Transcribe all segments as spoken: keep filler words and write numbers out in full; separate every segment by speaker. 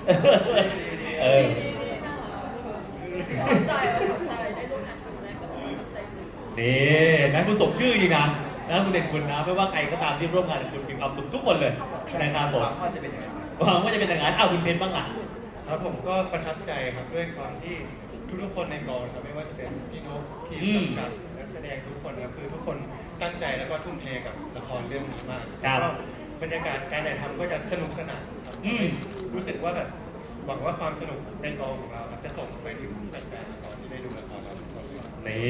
Speaker 1: เออ
Speaker 2: ขอบใจขอบใจได้ร่วมงานครั้งแรกก็ขอบใจ
Speaker 1: นี่แม้คุณสมชื่อจริงนะนะคุณเด่นคุณนะไม่ว่าใครก็ตามที่ร่วมงานกับคุณมีความสุขทุกคนเลยนะครับผม
Speaker 3: หวังว่าจะเป็นอย่างนั้น
Speaker 1: หวังว่าจะเป็นอย่างนั้นเอาคุณเพนบ้างล่ะ
Speaker 4: ครับผมก็ประทับใจครับด้วยความที่ทุกๆคนในกองครับไม่ว่าจะเป็นพี่นกทีม
Speaker 1: อืม
Speaker 4: กำกับนักแสดงทุกคนครับคือทุกคนตั้งใจแล้วก็ทุ่มเทกับละครเรื่องนี้มาก
Speaker 1: ครับ
Speaker 4: แล้วก็บรรยากาศการถ่ายทำก็จะสนุกสนานครับ
Speaker 1: อืม
Speaker 4: รู้สึกว่าแบบหวังว่าความสนุกในกองของเราครับจะส่งไปถึงแฟนๆละครที่ได้ดูละครเราทุกคนเลย
Speaker 1: นี่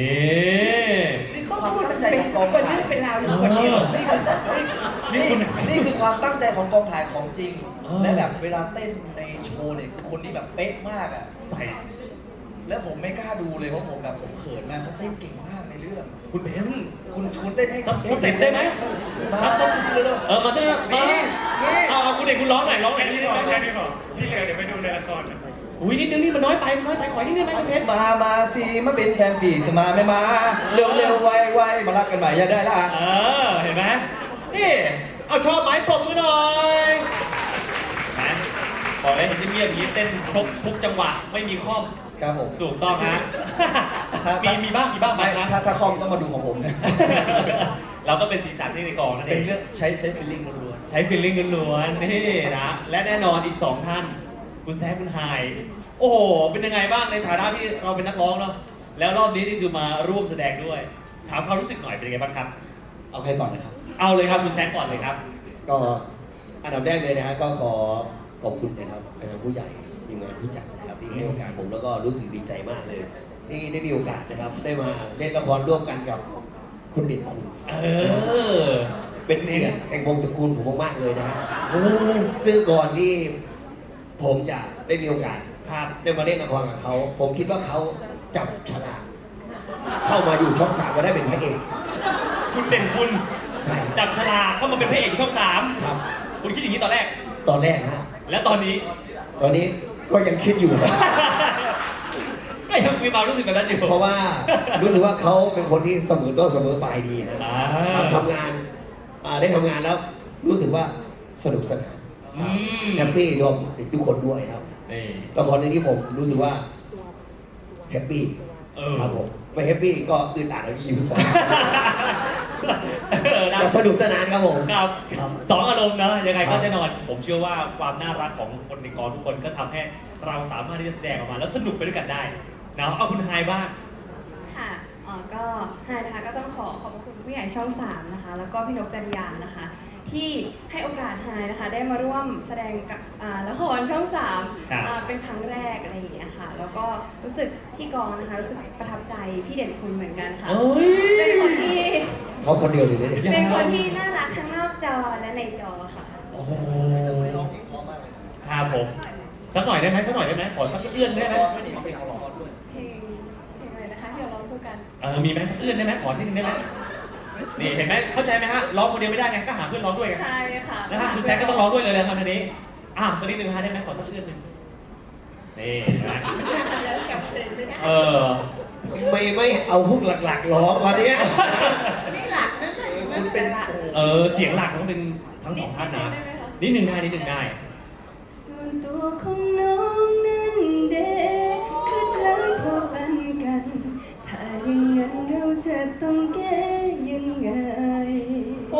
Speaker 3: นี่คือความตั้งใจของกองถ่าย
Speaker 2: เป็นราวอยู่
Speaker 3: คนเดียวนี่คือ
Speaker 1: นี่
Speaker 3: นี่
Speaker 1: คุณ
Speaker 3: นี่คือความตั้งใจของกองถ่ายของจริง
Speaker 1: เออ
Speaker 3: และแบบเวลาเต้นในโชว์เนี่ยคือคนที่แบบเป๊ะมากอ่ะ
Speaker 1: ใส่
Speaker 3: แล้วผมไม่กล้าดูเลยเพราะผมแบบผมเขินมากเขาเต้นเก่งมากในเรื่อง
Speaker 1: คุณเพน
Speaker 3: คุณคุณเต้นให้
Speaker 1: สักสเต็ปได้ไหม
Speaker 3: มา
Speaker 1: สัก
Speaker 3: สั
Speaker 1: สั
Speaker 3: ก
Speaker 1: ก
Speaker 3: สิเลย
Speaker 1: เออมาสักมา
Speaker 3: นี่นี่
Speaker 1: เอาเอาคุณเด็กคุณร้องหน่อยร้องหน่
Speaker 4: แค่
Speaker 1: อยนิ
Speaker 4: นี้
Speaker 1: ด
Speaker 4: พ
Speaker 1: นึ
Speaker 4: อง
Speaker 1: ไหม
Speaker 4: แค่นี้พอที่เหลือเดี๋ยวไปดูในละครนะ
Speaker 1: อุ้ยนิดนึงนี่มันน้อยไปมันน้อยไปขอนิดนึงไหมคุณเพน
Speaker 3: มา มาสิมาเป็นแฟนปีจะมาไม่มา เร็วเร็วไวไวมารักกันใหม่อย่าได้ละ
Speaker 1: เออเห็นไหมนี่เอาชอบไหมปรบมือหน่อยนะบอกเลยเห็นเงียบๆอย่างนี้เต้นครบทุกจังหวะไม่มีข้อม
Speaker 3: ครับผม
Speaker 1: ถูกต้องฮะ มีมีบ้างมีบ้าง
Speaker 3: ไม่
Speaker 1: บางค
Speaker 3: ถ้า
Speaker 1: รั้ง
Speaker 3: ถ้าคอมต้องมาดูของผมนะ
Speaker 1: เราก็เป็นสีสันที่ในกองนั่นเอ
Speaker 3: เป็น
Speaker 1: ง
Speaker 3: เรื่องใช้ใช้ฟีลลิ่งล้วน
Speaker 1: ใช้ฟีลลิ่งล้วนๆนี่นะ และแน่นอนอีกสองท่าน คุณแซคคุณไฮโอ้โห เป็นยังไงบ้างในฐานะที่เราเป็นนักร้องเนาะ แล้วรอบนี้นี่คือมาร่วมแสดงด้วย ถามความรู้สึกหน่อยเป็นยังไงบ้างครับ
Speaker 5: เอาใครก่อนนะครับ
Speaker 1: เอาเลยครับคุณแซคก่อนเลยครับ
Speaker 5: ก็อันดับแรกเลยนะฮะก็ขอขอบคุณนะครับทางผู้ใหญ่ทีมงานผู้จัดนะครับที่ให้โอกาสผมแล้วก็รู้สึกดีใจมากเลย ที่ได้มีโอกาสนะครับได้มาเล่นละครร่วมกันกับคุณเด่นคุณ
Speaker 1: เออ
Speaker 5: เป็นเกียรติแห่งวงตระกูลผมมากๆเลยนะฮะ
Speaker 1: โอ้
Speaker 5: ซึ่งก่อนที่ผมจะได้มีโอกาส
Speaker 1: ครับ
Speaker 5: ได้มาเล่นละครกับเขา ผมคิดว่าเขาจับฉลากเข้ามาอยู่ช่องสามก็ได้เป็นพระเอก
Speaker 1: คุณเด่นคุณ
Speaker 5: ใช่
Speaker 1: จับฉลากเข้ามาเป็นพระเอกช่องสาม
Speaker 5: ครับ
Speaker 1: คุณคิดอย่างนี้ตอนแรก
Speaker 5: ตอนแรกฮะ
Speaker 1: และตอนนี้
Speaker 5: ตอนนี้ก็ยังคิดอยู่
Speaker 1: ก็ยังมีความรู้สึกแบบนั้นอยู่
Speaker 5: เพราะว่ารู้สึกว่าเขาเป็นคนที่เสมอต้นเสมอปลายดีนะ
Speaker 1: อ่า
Speaker 5: ทำงานอ่าได้ทำงานแล้วรู้สึกว่าสนุกสนาน
Speaker 1: อืม
Speaker 5: แฮปปี้รวมถึงทุกคนด้วยครับ
Speaker 1: นี่
Speaker 5: ละครเรื่องนี้ผมรู้สึกว่าแฮปปี้
Speaker 1: เออ
Speaker 5: ครับผมไม่แฮปปี้ก็อึดอัดแล้วอยู่สอง
Speaker 1: เออนะ
Speaker 5: แต่สนุกสนานครับผม
Speaker 1: ครับ
Speaker 5: ครับ
Speaker 1: สองอารมณ์นะยังไง
Speaker 5: ครั
Speaker 1: ก็
Speaker 5: บ
Speaker 1: แน่นอน ผมเชื่อว่าความน่ารักของคนในกองทุกคนก็ทำให้เราสามารถที่จะแสดงออกมา แล้วสนุกไปด้วยกันได้นะเอาคุณไฮบ้าง
Speaker 2: ค่ะอ๋อก็ไฮนะคะก็ต้องขอขอบพระคุณผู้ใหญ่ช่องสามนะคะ แล้วก็พี่นกจริยานะคะ ที่ให้โอกาสไฮนะคะ ได้มาร่วมแสดงกับอ่าละครช่องสาม
Speaker 1: ครับ
Speaker 2: อ่าเป็นครั้งแรกอะไรอย่างเงี้ยค่ะ แล้วก็รู้สึกที่กองนะคะ รู้สึกประทับใจพี่เด่นคุณเหมือนกันค่ะ
Speaker 1: เอ้ย
Speaker 2: เป็นคนที่
Speaker 5: เขาคนเดียวเลยนะเนี่ย
Speaker 2: เป็นคนที่น่ารักทั้งนอกจอและในจอค่ะ
Speaker 1: โอ้โห
Speaker 3: ๆร้องเพลงเพราะมากเลยนะครับ
Speaker 1: ผมสักหน่อยได้ไหมสักหน่อยได้ไหมขอสักเอื้อนได้ไหม
Speaker 3: ร้องไม่ดีเขาเพลงเขาร้องด้วย
Speaker 2: เพลงเพลงอะไรนะคะที่เราร้องคู่กัน
Speaker 1: เออมีไหมสักเอื้อนได้ไหมขอนิดนึงได้ไหมนี่เห็นไหมเข้าใจไหมฮะร้องคนเดียวไม่ได้ไงก็หาเพื่อนร้องด้วยไง
Speaker 2: ใช่ค่ะ
Speaker 1: นะฮะคุณแซคก็ต้องร้องด้วยเลยนะครับทีนี้อ้าวสักนิดนึงฮะได้ไหมขอสักเอื้อนหนึ่งนี่นะเออ
Speaker 5: ไม่ไม่เอาพวกหลักๆร้องวันนี้
Speaker 2: นี่หลักนั่นแหละ
Speaker 3: คุณเป็นโอ้โห
Speaker 1: เออเสียงหลักต้องเป็นทั้งสองท่านนะนิดหนึ่งได้นิดหนึ่งได้
Speaker 2: ส่วนตัวของน้องนั้นเด็กคือคล้ายพอปันกัน ถ้าอย่างนั้นเราจะต้องแก้ยังไง
Speaker 1: โอ้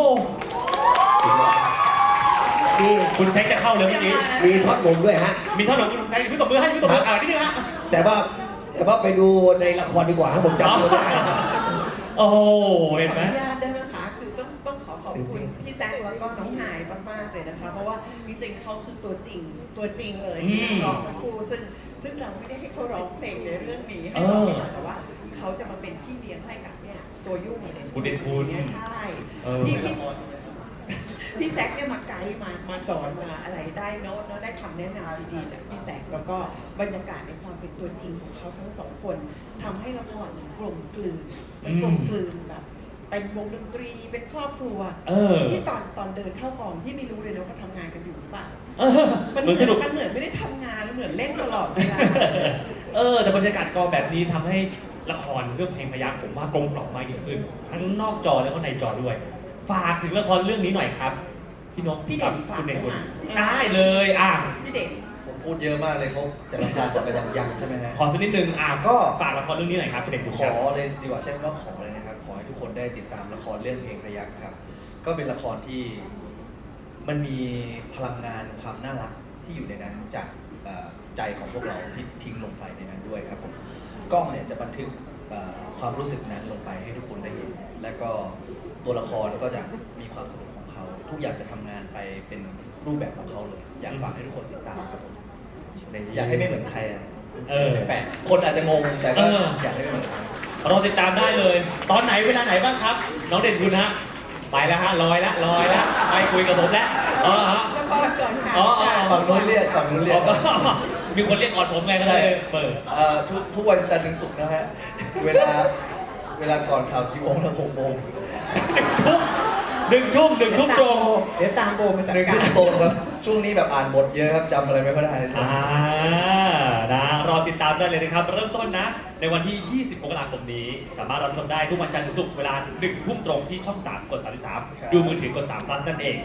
Speaker 5: มี
Speaker 1: คุณแซคจะเข้าเลยเมื่อกี้
Speaker 5: มีทอดผมด้วยฮะ
Speaker 1: มีเท่าไหร่คุณแซคพี่ตบมือให้พี่ตบมืออ่านิดนึงฮะ
Speaker 5: แต่ว่าแต่ว่าไปดูในละครดีกว่าครับผมจำไม่ได้
Speaker 1: โอ้โห
Speaker 6: ขอ
Speaker 1: เห็น
Speaker 6: อ
Speaker 1: ไหม
Speaker 6: นุญาตได้ไหมคะคือต้องต้องขอขอบคุณพี่แซคแล้วก็น้องหายมากๆเลยนะคะ เพราะว่าจริงๆเขาคือตัวจริงตัวจริงเลยที่นักร้องทั้งคู่ซึ่งซึ่งเราไม่ได้ให้เขาร้องเพลงในเรื่องนี้ให้เราไม่ได้แต่ว่าเขาจะมาเป็นพี่เลี้ยงให้กับเนี่ยตัวยุ่งเด่น
Speaker 1: คุณเด่นคุณ
Speaker 6: เนี่ยใช่
Speaker 1: เออ
Speaker 6: พี่พี่พี่แซคเนี่ยมาไกด์มามาสอนมาอะไรได้โน้ตเนาะได้คำแนะนำดีๆจากพี่แซคแล้วก็บรรยากาศในความเป็นตัวจริงของเขาทั้งสองคนทำให้ละครมันกลมกลืนมันกลมกลืนแบบ เป็นวงดนตรีเป็นครอบครัว
Speaker 1: เออ
Speaker 6: ที่ตอนตอนเดินเข้ากองที่ไม่รู้เลยนะว่าเขาทำงานกันอยู่หรือเปล่า
Speaker 1: เออ
Speaker 6: มัน
Speaker 1: เห
Speaker 6: เห
Speaker 1: มื
Speaker 6: มื
Speaker 1: อ
Speaker 6: อน น
Speaker 1: สนุก
Speaker 6: มันเหมือนไม่ได้ทำงานมันเหมือนเล่นตลอดเวลา
Speaker 1: เออ แต่บรรยากาศกองแบบนี้ทำให้ละครเรื่องเพลงพยัคฆ์ผมว่ากลมกล่อมมากยิ่งขึ้น ทั้งนอกจอแล้วก็ในจอด้วย ฝากถึงละครเรื่องนี้หน่อยครับ พี่นก
Speaker 6: พี่เด่น
Speaker 1: กับคุณเด่น
Speaker 6: ฝาก
Speaker 1: คุณ
Speaker 6: ได้ไหม
Speaker 1: ได้เลยอ่ะ
Speaker 6: พี่เด่น
Speaker 3: ผมพูดเยอะมากเลยเขาจะรำคาญแต่ก็ยังยังใช่ไหมฮะ
Speaker 1: ขอสักนิดนึงอ่ะ
Speaker 3: ก็
Speaker 1: ฝากละครเรื่องนี้หน่อยครับเป็นเด็กบุญ
Speaker 3: ข
Speaker 1: ครั
Speaker 3: อบ เลยดีกว่าใช่ไหมว่าขอเลยนะครับ ขอให้ทุกคนได้ติดตามละครเรื่องเพลงพยัคฆ์ครับ ก็เป็นละครที่มันมีพลังงานความน่ารักที่อยู่ในนั้นจากเอ่อใจของพวกเราที่ทิ้งลงไปในนั้นด้วยครับผมกล้องเนี่ยจะบันทึกเอ่อความรู้สึกนั้นลงไปให้ทุกคนได้เห็น และก็ตัวละครก็จะมีความสนุกของเขา ทุกอย่างจะทำงานไปเป็นรูปแบบของเขาเลย อยากฝากให้ทุกคนติดตามครับผมอยากให้ไม่เหมือนใครอะ
Speaker 1: เออ
Speaker 3: แปลกๆคนอาจจะงงแต่ก็
Speaker 1: เออ
Speaker 3: อยากให้ไม่เหมือนใคร
Speaker 1: เราติดตามได้เลย ตอนไหนเวลาไหนบ้างครับ น้องเด่นคุณฮะไปแล้วฮะลอยละลอยละไปคุยกับผมแล้วอ๋อฮะ
Speaker 6: ละครก่อนค่ะ
Speaker 1: อ๋ออ๋อ
Speaker 3: ฝั่งนู้นเรียกฝั่งนู้นเรีย
Speaker 1: อ๋
Speaker 3: ก
Speaker 1: อก็มีคนเรียกก่อนผมไงก็เลยเปิด
Speaker 3: เอ่อทุกทุกวันจันทร์ถึงศุกร์นะฮะ เวลาเวลาก่อนข่าวกี่โมงนะหกโมง
Speaker 1: หนึ่งทุ่มหนึ่งทุ่มตรง
Speaker 6: เดี๋ยวตามโบมาจัด
Speaker 3: หนึ่ง
Speaker 6: กา
Speaker 3: ทุ่
Speaker 6: ร
Speaker 3: มตรงครับ ช่วงนี้แบบอ่านบทเยอะครับจำอะไรไม่ค่อยได้
Speaker 1: อ่านะรอติดตามได้เลยนะครับ เริ่มต้นนะ ในวันที่ ยี่สิบ มกราคมนี้ สามารถรับชมได้ทุกวันจันทร์ถึงศุกร์เวลาหนึ่งทุ่มตรงที่ช่อง สาม กด สามสิบสาม ดูมือถือกด สาม plus นั่นเอง